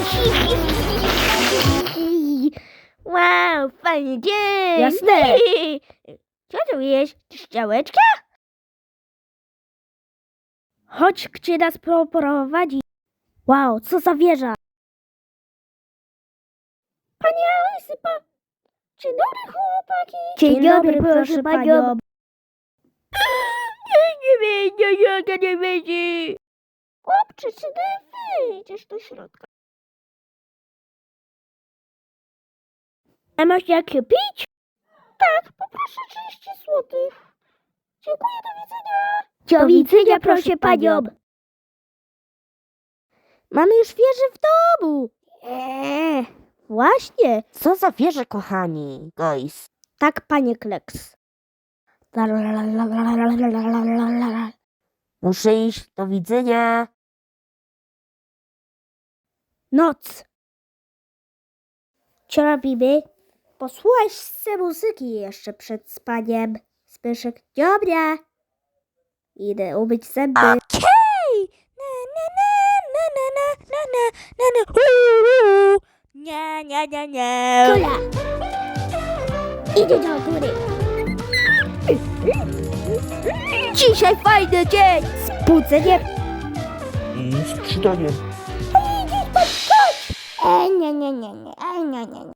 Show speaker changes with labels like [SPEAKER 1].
[SPEAKER 1] Wow, fajny dzień!
[SPEAKER 2] Jasne.
[SPEAKER 1] Co tu jest? Strzałeczka?
[SPEAKER 2] Chodź, gdzie nas prowadzi. Wow, co za wieża.
[SPEAKER 1] Panie Alesypa! Dzień dobry, chłopaki!
[SPEAKER 2] Dzień dobry, proszę panią.
[SPEAKER 1] Nie będzie! Chłopcze, czy ty wyjdziesz do środka?
[SPEAKER 2] A masz jak pić?
[SPEAKER 1] Tak, poproszę 30 złotych. Dziękuję, do widzenia.
[SPEAKER 2] Do widzenia, proszę panią. Mamy już wieżę w domu. Właśnie.
[SPEAKER 3] Co za wieże, kochani, guys?
[SPEAKER 2] Tak, panie Kleks.
[SPEAKER 3] Muszę iść, do widzenia.
[SPEAKER 2] Noc. Co robimy? Posłuchaj sobie muzyki jeszcze przed spaniem. Zbyszek, dobra. Idę umyć zęby.
[SPEAKER 3] Okej! Nie.
[SPEAKER 2] Kula. Idę do góry. Dzisiaj fajny dzień. Zbudzenie.
[SPEAKER 3] I skrzydanie.
[SPEAKER 2] Nie.